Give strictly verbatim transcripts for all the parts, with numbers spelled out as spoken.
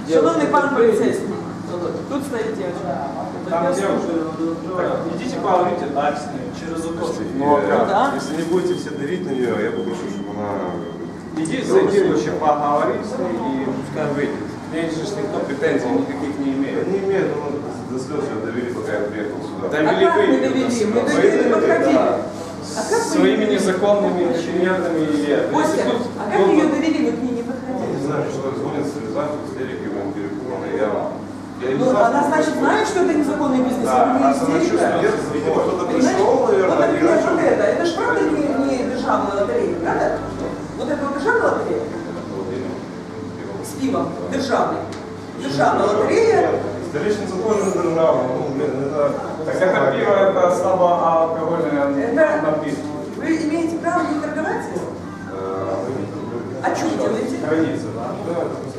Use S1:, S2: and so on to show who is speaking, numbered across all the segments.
S1: Шановний пан поліцейський, тут стоїть дівчина.
S2: Там девушка. Идите поговорите дальше. Через укол.
S3: Ну, да. Если не будете все давить на нее, я попрошу, чтобы она...
S2: Иди, зайди вообще поговори с ней и пускай выйдет. К ней же никто претензий никаких не имеет.
S3: Не имеет, но до слез ее довели, пока я приехал сюда.
S2: Довели
S1: А как мы довели? Мы довели, мы подходили. А как
S2: своими незаконными инженерными и...
S1: Костя, а как ее довели, мы к ней не подходили?
S3: Не знаю, что звонит с Рязанью, с Эриком, перепугана. Я...
S1: Ну, она, значит, знает, что это незаконный бизнес,
S3: да,
S1: это не истерика.
S3: Видимо, кто-то пришел, наверное,
S1: вот, например,
S3: начал...
S1: вот это, это же правда не, не державная лотерея, правда? Вот это вот державная лотерея? С пивом, державный. Державная лотерея.
S3: Столичница тоже не державная, ну, блин, это...
S2: Так это пиво, это слабоалкогольное напитки.
S1: Вы имеете право не торговать? А что вы делаете?
S3: Граница, да?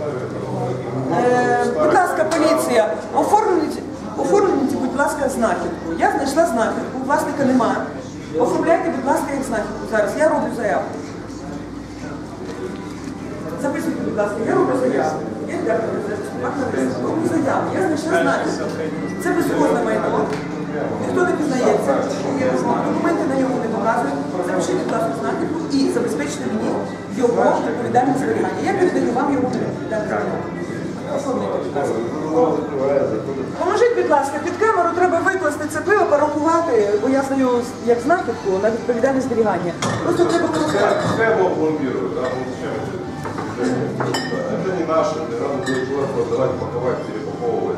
S1: Е, будь ласка, поліція, оформіть, оформіть, будь ласка, знахідку. Я знайшла знахідку, власника нема. Оформляйте, будь ласка, як знахідку. Зараз я роблю заяву. Записуйте, будь ласка, я роблю заяву. Я роблю заяву. Я знайшла знахідку. Це безкоштовне майно. Ніхто не пізнається. Документи на нього не показують. Запишіть, будь ласка, знахідку і забезпечте мені його відповідальне зберігання. Я передаю вам його відповідальне зберігання. Поможіть, будь ласка, під камеру треба викласти це пиво, порахувати, бо я здаю як знахідку на відповідальне зберігання. Просто треба порахувати.
S3: Пускай его пломбируют, да? Ну зачем это? Это не наше, не надо будет туда продавать, паковать, перепаковывать.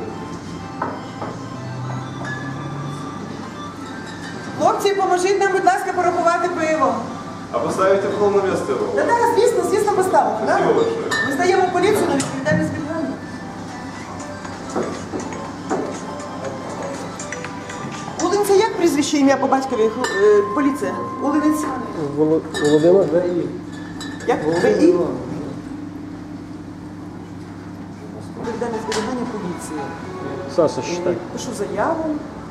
S1: Хлопці, поможіть нам, будь ласка, порахувати пиво.
S3: А поставите в полное место его?
S1: Та так, звісно, звісно, поставимо.
S3: Спасибо большое.
S1: Ми здаємо поліцію на відповідальне зберігання. Улинця як прізвище, ім'я по батькові? Е, поліція. Улинець.
S4: Володимир?
S1: Як? ВІ? Відповідальне зберігання поліції.
S4: Саша, считай.
S1: Пишу заяву.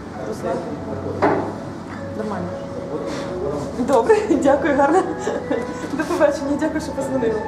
S1: Нормально. Добре, дякую, гарно. До побачення, дякую, що позвонили.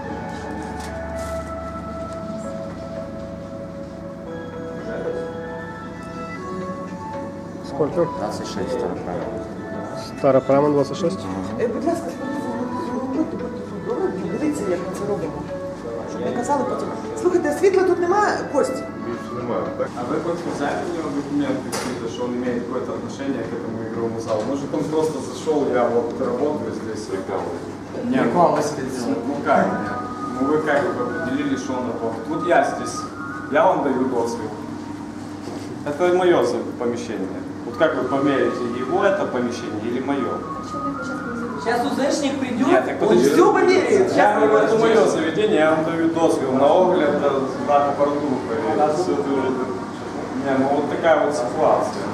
S4: Сколько?
S5: двадцать шесть староправа.
S4: Старопрама двадцять шість?
S1: Е, будь ласка, будьте, добре, дивіться, як ми це робимо. Щоб не казали потім. Слухайте, світла тут немає, Кость?
S3: Більше немає, так?
S2: А вы хоть взяли у него документы какие-то, что он имеет какое-то отношение к этому игровому залу? Может, он просто зашел, я вот работаю здесь. Не,
S5: Рекламу себе делает.
S2: ну как нет? Ну вы как бы определили, что он работает? Вот я здесь, я вам даю дозвол. Это мое помещение. Вот как вы померяете, его это помещение или мое?
S1: Сейчас УЗшник придет,
S2: Нет, так
S1: он
S2: подожди.
S1: все померяет.
S2: Я говорю, это мое заведение, я вам даю дозвол на огляд, на аппаратуру проверить. Все это уже... Не, ну вот такая вот ситуация.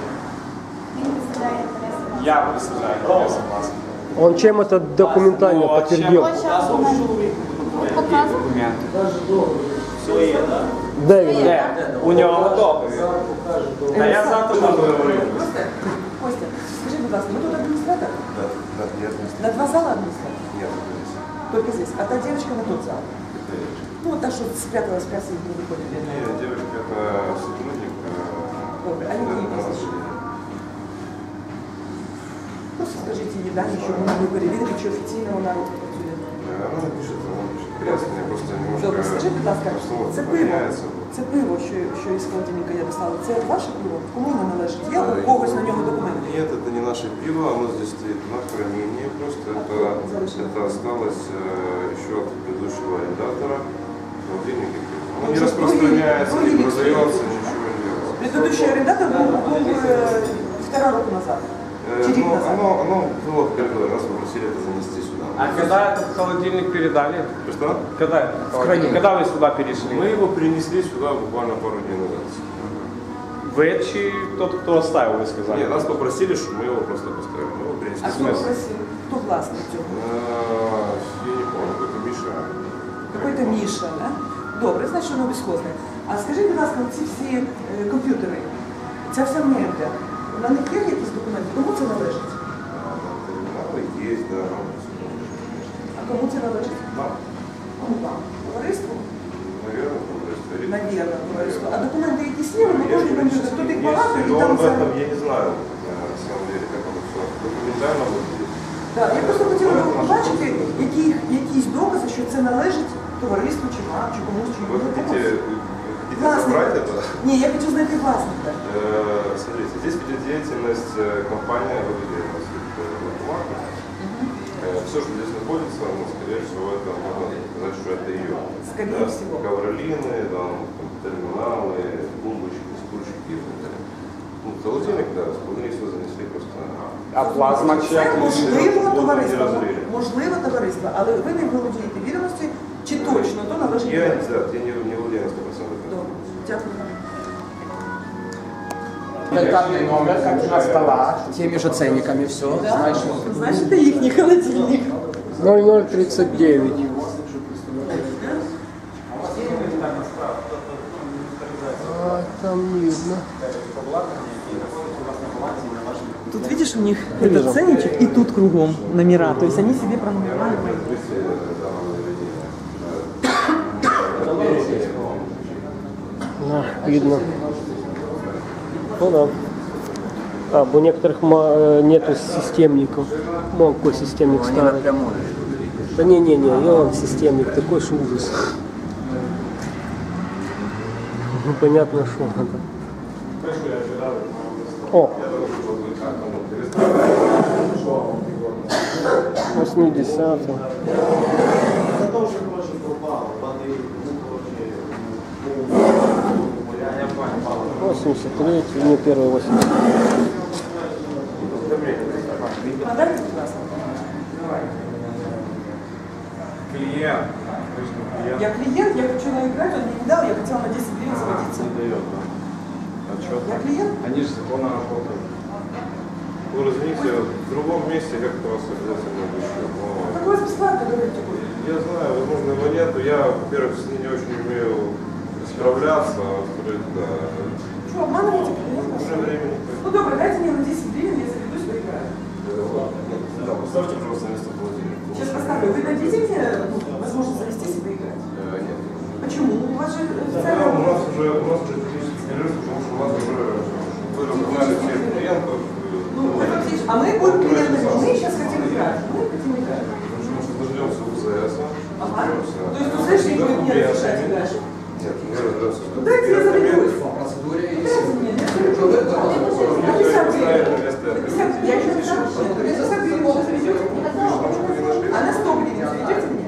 S2: Я представляю, я согласен.
S4: Он чем это документально
S2: Ну, а
S4: подтвердил?
S2: чем? Документы. Все есть, да?
S4: Де він?
S2: Де? У него готовы. А я завтра буду говорить.
S1: Костя, Костя, скажи, будь ласка, вы тут администратор?
S3: Да, да, нет,
S1: На два зала администратор?
S3: нет.
S1: Только здесь. А та девочка на тот зал?
S3: Это девочка.
S1: Ну, та, что спряталась в кассе и не выходит.
S3: Нет, девочка это сотрудник.
S1: Добре, а які прізвища? Просто скажіть її дані, щоб вона не перевірити, чи офіційно вона працює.
S3: Она напишет, она напишет. Крест, мне просто немножко...
S1: Добре, скажи, будь ласка,
S3: обстановка
S1: це пиво,
S3: меняется.
S1: це пиво, що, що із холодильника я достала, це ваше пиво? Кому воно належить? Є
S3: Да,
S1: у когось на нього документи?
S3: Нет, это не наше пиво, оно здесь стоит на хранении. Просто это, это осталось э, еще от предыдущего арендатора. Холодильник. Оно не распространяется, не продается, ничего не делается.
S1: Предыдущий арендатор был, был э, полтора року назад.
S3: Э,
S1: Чи рік
S3: но,
S1: назад.
S3: оно, оно было в коридоре, нас попросили это занести сюда.
S2: А когда этот холодильник передали?
S3: Что?
S2: Когда этот холодильник? Когда вы сюда перешли?
S3: Мы его принесли сюда буквально пару дней назад.
S2: Вы чи тот, кто оставил, вы сказали?
S3: Нет, нас попросили, чтобы мы его просто поставили. Мы его принесли.
S1: А хто
S2: смысле?
S1: просив? Хто власник цього?
S3: Э, Я не помню, какой-то Миша.
S1: Какой-то Міша, да? Добре, значить, воно безхозне. А скажіть, будь ласка, ці всі е, комп'ютери, ця вся мебля, на них є якісь документи? Кому це належить?
S3: Терминалы есть, да.
S1: А кому це належить?
S3: Нам,
S1: Кому вам? Товариству?
S3: наверное, товариство. удостоверить.
S1: Наверное, товариство. А документи якісь є, ми
S3: Я
S1: можемо
S3: не
S1: що тут їх багато і
S3: но
S1: там
S3: об
S1: за...
S3: этом я не знаю, э, на самом деле, как оно все документально выглядит.
S1: Да, я просто хотіла би побачити які, якісь докази, що це належить товариству, чи вам, чи комусь, чи
S3: Вы
S1: комусь.
S3: хотите, вы хотите
S1: Власника.
S3: забрать это?
S1: Ні, я хочу знайти власника.
S3: Э, Смотрите, здесь ведет деятельность э, компания «Вододеленность». Все, что здесь находится, ну, скорее всего, это можно сказать, что это ее.
S1: Скорее
S3: Да,
S1: всего.
S3: Ковролины, там, там, терминалы, бомбочки, стульчики и так далее. Ну, холодильник, да, скорее всего, занесли просто.
S2: А плазма
S1: Це
S2: чек?
S1: можливо
S3: Воду
S1: товариство,
S3: не розрили.
S1: можливо товариство, але ви не володієте відомості, чи точно то належить
S3: Я,
S1: товариству.
S3: да, я не, не владею на сто процентов.
S1: Добре, дякую.
S5: Контактный номер, как на столах, теми же ценниками, все. Знаешь,
S1: Значить, це їхній холодильник.
S4: ноль ноль тридцать девять. А, там не видно.
S1: Тут видишь, у них этот ценничек и тут кругом номера, то есть они себе пронумеровали.
S4: Да, видно. Ну да. А, у некоторых ма- э, нету системников. Ну, какой системник
S5: они
S4: старый.
S5: напрямую.
S4: Да не-не-не, я вам системник, такой ж ужас. Ну, понятно, что это. О! восьмидесятый. восемьдесят третий, не первый восемьдесят.
S1: Подайте, пожалуйста.
S2: Клиент. Вы же не клиент.
S1: Я клиент, я хочу наиграть, он мне не дал, я хотела на десять гривен заводиться.
S2: Не дает, да? Отчет.
S1: Я клиент?
S2: Они же законно работают.
S3: Вы разумеете, в другом месте как-то вас обязательно вышло. Но...
S1: Так у вас бесплатно говорите будет.
S3: Я знаю, возможно, его нету. Я, во-первых, с ней не очень умею справляться, а во-вторых, да.
S1: Что, обманываете клиента?
S3: Уже времени.
S1: Ну добро, дайте мне на десять гривен, я заведусь, поиграю.
S3: Да, поставьте просто место холодильника.
S1: Сейчас поставлю. Вы дадите мне ну, возможность завестись и поиграть?
S3: Э, Нет.
S1: Почему? У вас же
S3: Да, у
S1: официально...
S3: нас уже, у нас уже технический перерыв, потому что у вас уже вы разогнали всех клиентов.
S1: Ну, вы фактически- а мы будем клиентами, мы сейчас хотим играть. Мы хотим играть.
S3: Потому что дождемся УЗС.
S1: Ага.
S3: дождемся
S1: То есть УЗС не будет мне разрешать играть?
S3: Нет, мы разберемся с
S1: Ну, дайте я заведусь.
S5: По процедуре и
S1: Дайте мне, я заведусь. На пятьдесят гривен. Я еще пишу. На пятьдесят гривен вы заведете мне? А на сто гривен заведете мне?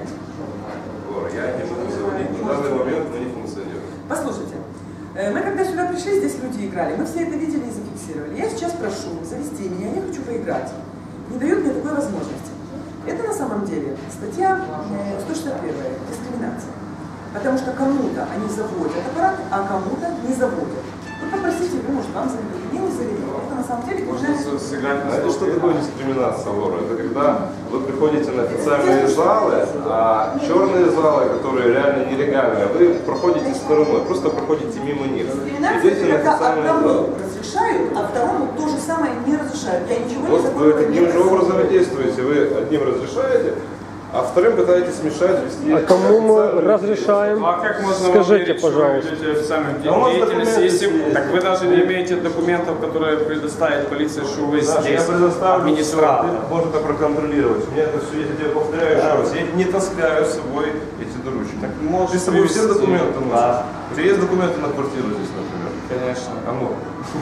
S3: Я не буду заводить. На данный момент мы не функционируем.
S1: Послушайте, э, мы когда сюда пришли, здесь люди играли, мы все это видели и зафиксировали. Я сейчас прошу завести меня, я хочу поиграть. Не дают мне такой возможности. Это на самом деле статья э, сто шестьдесят первая, дискриминация. Потому что кому-то они заводят аппарат, а кому-то не заводят. Вы попросите, вы, может, вам заведут, мне не заведут. Это на самом деле
S2: Можно
S1: уже...
S2: сыграть на
S3: Знаете, что
S2: стопе.
S3: такое дискриминация, Лора? Это когда вы приходите на официальные залы, а черные залы, которые реально нелегальные, вы проходите стороной, просто проходите мимо них.
S1: Дискриминация,
S3: Идете на
S1: когда
S3: официальные
S1: одному
S3: залы.
S1: разрешают, а второму то же самое не разрешают. Я ничего не
S3: Вот вы
S1: законного не
S3: таким же
S1: просила.
S3: образом и действуете. Вы одним разрешаете, а вторым пытаетесь мешать вести.
S4: А кому мы
S3: официальную
S4: разрешаем?
S2: Ну, а как можно вам
S4: Скажите,
S2: верить, что вы
S4: пожалуйста.
S2: ведете официальную
S3: Да у вас
S2: деятельность,
S3: документы
S2: если...
S3: есть.
S2: Так вы даже не имеете документов, которые предоставит полиция, что вы
S3: Саша,
S2: здесь
S3: я предоставлю
S2: администратор.
S3: все, ты можешь это проконтролировать. У меня это все, я тебе повторяю еще раз, я не таскаю с собой эти доручения.
S2: Так можешь
S3: Ты с собой все
S2: привезти.
S3: документы носишь?
S2: Да.
S3: У тебя есть документы на квартиру здесь, например?
S2: Конечно.
S3: А ну.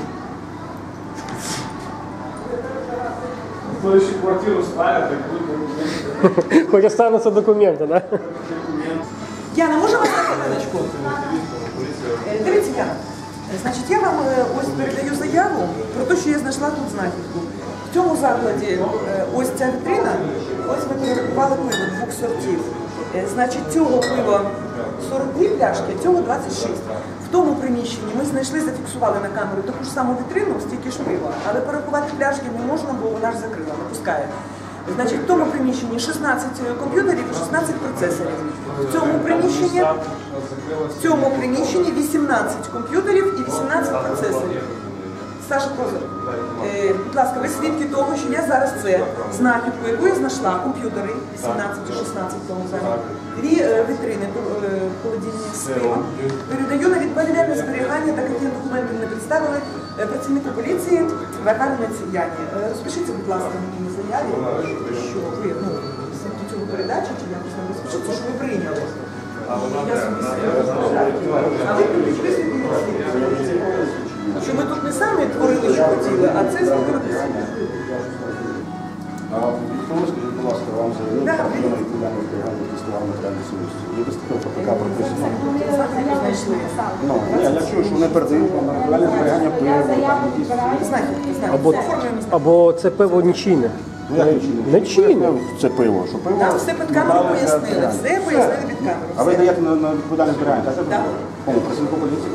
S2: Ну, если квартиру ставят, так будет...
S4: Хоть останутся документы, да?
S1: Яна, може вас на хвилиночку? Е, Дивіться, Яна, е, значить, я вам е, ось передаю заяву про те, що я знайшла тут знахідку. В цьому закладі е, ось ця вітрина, ось ми перерахували пиво двох сортів. Е, Значить, цього пива сорок дві пляшки, цього двадцять шість. В тому приміщенні ми знайшли, зафіксували на камеру таку ж саму вітрину, стільки ж пива, але порахувати пляшки не можна, бо вона ж закрила, не пускає. Значить, в тому приміщенні шістнадцять комп'ютерів і шістнадцять процесорів. В цьому приміщенні, в цьому приміщенні вісімнадцять комп'ютерів і вісімнадцять процесорів. Саша Козир, е, будь ласка, ви свідки того, що я зараз це знахідку, яку я знайшла, комп'ютери вісімнадцять-шістнадцять тому залі, дві е, вітрини е, холодильні з пивом, передаю на відповідальне зберігання, так як я документи не представили, е, працівнику поліції Варварі Наців'яні. Е, розпишіться, будь ласка, мені на заяві, що ви, ну, до цього передачі, чи якось там розпишіться, що ви прийняли. Я собі а ви що ми тут не самі творили, що хотіли, а це зробили працівник.
S6: А Вікторія, скажіть, будь ласка, вам заявили
S1: Да,
S6: про
S1: ви-
S6: відповідальне зберігання тестувальної матеріальної сумісті. Є достатньо по ПК прописано.
S1: Знайшли.
S6: Ну, ні, я чую, що вони передають вам матеріальне зберігання пива, там якісь...
S1: Знахідки, знахідки.
S4: Або,
S1: Оформлюємо знахідки.
S4: або це пиво нічийне.
S6: Ну, як нічого?
S4: Не чинне.
S6: Це пиво, що пиво...
S1: Нам все під камеру пояснили, все пояснили під камеру.
S6: А ви даєте на, на відповідальне зберігання, так?
S1: Так.
S6: Кому? Працівнику поліції?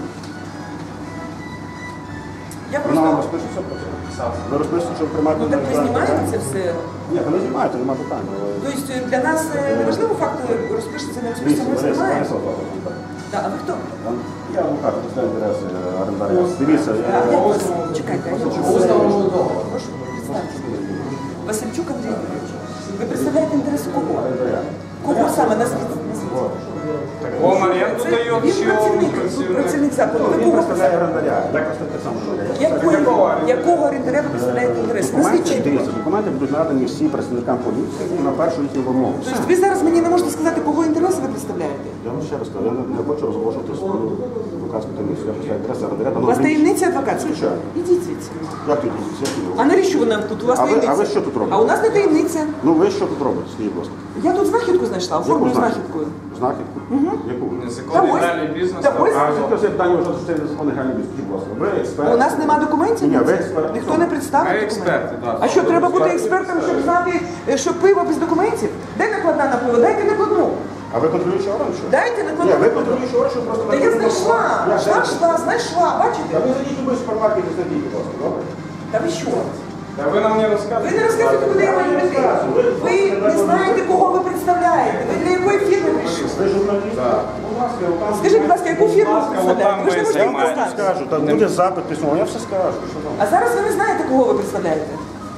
S1: Я
S6: Вона вам
S1: просто...
S6: розпишеться про це? Ви розпишете, що ви приймаєте
S1: Ну
S6: на
S1: так ви
S6: відповідальне
S1: знімаєте це
S6: зберігання?
S1: все?
S6: Ні, ви не знімаєте, немає питань. але-
S1: Тобто для нас е, не важливо факт розпишеться на цю
S6: Дивіться,
S1: ми
S6: Лариса,
S1: знімаємо.
S6: Лариса Олександрівна,
S1: Так, а ви хто?
S6: я адвокат, представляю інтереси орендаря. Дивіться,
S1: А,
S6: я...
S1: як вас? Чекайте, а як вас? Прошу, представте. Васильчук Андрій Юрійович. Ви представляєте інтереси кого? Кого саме? Назвіть. назвіть.
S2: Он аренду
S1: Це
S2: дает,
S1: він
S2: чи он
S1: працівник, тут
S2: працівник?
S1: працівник закладу. Ви
S6: Він
S1: кого
S6: представляє
S1: представляєте?
S6: орендаря. Я просто так само говорю.
S1: Якого, якого орендаря ви представляєте інтереси? Назвіть
S6: Документи,
S1: чітко.
S6: дивіться, документи будуть надані всім працівникам поліції на першу їхню вимогу.
S1: Тобто ви зараз мені не можете сказати, кого інтереси ви представляєте?
S6: Я вам ще раз кажу, я не, не хочу розголошувати свою адвокатську таємницю. Я представляю інтереси орендаря.
S1: У вас таємниця адвокатська?
S6: Звичайно.
S1: Ідіть звідси.
S6: Як тут діти?
S1: А навіщо ви нам тут? У вас
S6: А ви-
S1: таємниця.
S6: а ви що тут робите?
S1: А у нас не таємниця.
S6: Ну ви що тут робите, скажіть, будь ласка?
S1: Я тут знахідку знайшла, оформлю
S6: Яку
S1: знахідкою.
S6: Знахідку? Яку?
S2: Незаконний
S1: Та ось-
S2: дальний бізнес.
S1: та ось-
S2: а,
S6: Скільки це питання вже це незаконний гральний бізнес? Скажіть, будь ласка. Ви експерт?
S1: У нас нема документів?
S6: Ні, ви експерт.
S1: Ніхто не представив
S2: Ми
S1: документів?
S2: експерти, так.
S1: А що, треба бути експертом, щоб знати, е, що пиво без документів? Де накладна на пиво? Дайте накладну.
S6: А ви контролюючий орган, що?
S1: Дайте
S6: Ні,
S1: накладну.
S6: ви контролюючий орган, що просто...
S1: Та я знайшла,
S6: Я
S1: йшла,
S6: знаю.
S1: йшла, знайшла,
S6: Та
S1: бачите?
S6: ви зайдіть у будь супермаркет і знайдіть, будь ласка, добре?
S1: Та ви що?
S2: Та ви нам не
S1: Ви
S2: розказуєте.
S1: не розказуєте, куди я маю йти. Ви не знаєте, кого ви представляєте. Ви для якої фірми прийшли?
S6: Ви журналіст? Будь ласка, я вам
S1: Скажіть, будь ласка, яку фірму ви
S2: ласка,
S1: представляєте?
S2: отам
S1: Ви ж не
S2: ви
S1: можете їх
S2: займаєтесь.
S1: сказати.
S6: скажу, там буде запит письмовий, я все скажу. Що там?
S1: А зараз ви не знаєте, кого ви представляєте.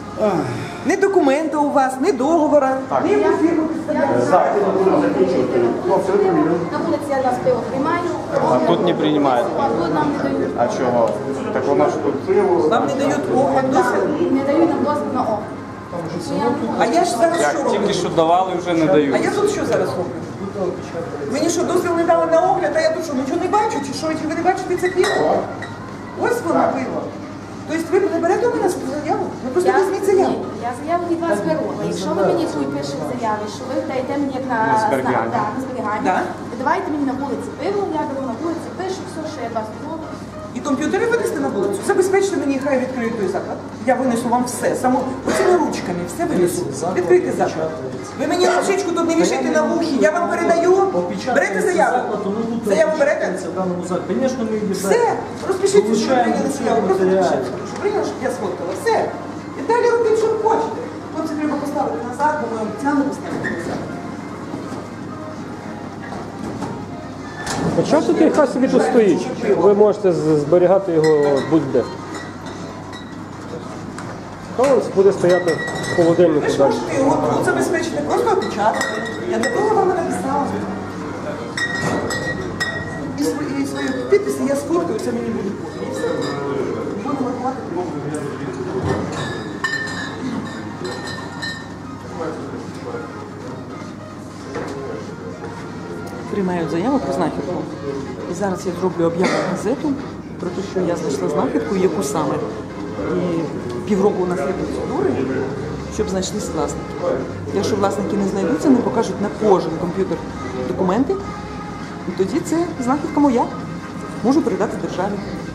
S1: Ні документа у вас, ні договора, ні яку фірму представляєте.
S6: Так, я буду закінчувати. Хлопці, ви провірили?
S7: На вулиці я вас пиво приймаю.
S2: А тут не приймають.
S7: А тут нам не дають.
S2: А чого? Так воно ж тут.
S1: Вам не дають огляд дозвіл.
S7: Не дають нам дозвіл на огляд.
S1: А я ж зараз що
S2: Як
S1: роблю?
S2: тільки що давали, вже не
S1: А
S2: дають.
S1: я тут що зараз роблю? Мені що, дозвіл не дали на огляд, а я тут що, нічого не бачу? Чи що, чи ви не бачите це пиво? Ось воно пиво. Тобто ви не берете у мене заяву? Ви просто візьміть заяву.
S7: Ні, я заяву від вас беру. Якщо ви мені тут пишете в заяві, що ви даєте мені як на,
S2: На зберігання.
S7: Да, на зберігання,
S1: Да.
S7: давайте мені на вулиці пиво, я беру на вулиці, пишу все, що я від вас дозволю.
S1: І комп'ютери винести на вулицю. Забезпечте мені, хай відкриють той заклад. Я винесу вам все. Само оцими ручками все винесу. Відкрийте заклад. Ви мені ручечку тут не вішайте на вухі. Я вам передаю. Берете заяву. Заяву берете?
S8: В даному закладі. Звісно, ми її
S1: Все. Розпишіться, що ви
S8: Получаємо
S1: прийняли
S8: всі
S1: заяву. Просто
S8: матеріали.
S1: напишіть, що прийняли, щоб я сфоткала. Все. І далі робіть, що хочете. Хлопці, треба поставити назад, бо ми обіцяли поставити назад.
S4: А чого тут хай собі тут стоїть? Ви можете з- зберігати його будь-де. Хай він буде стояти в
S1: Ви
S4: холодильнику
S1: ж
S4: далі.
S1: можете його тут забезпечити, просто опечатати. Я для того вам і написала. І свої, і свої підписи я сфоткаю, це мені буде потім. І все. Будемо рахувати прямо. Приймають заяву про знахідку. І зараз я зроблю об'яву в газету про те, що я знайшла знахідку, і яку саме. І півроку у нас є процедури, щоб знайшлись власники. Якщо власники не знайдуться, не покажуть на кожен комп'ютер документи, і тоді це знахідка моя. Можу передати державі.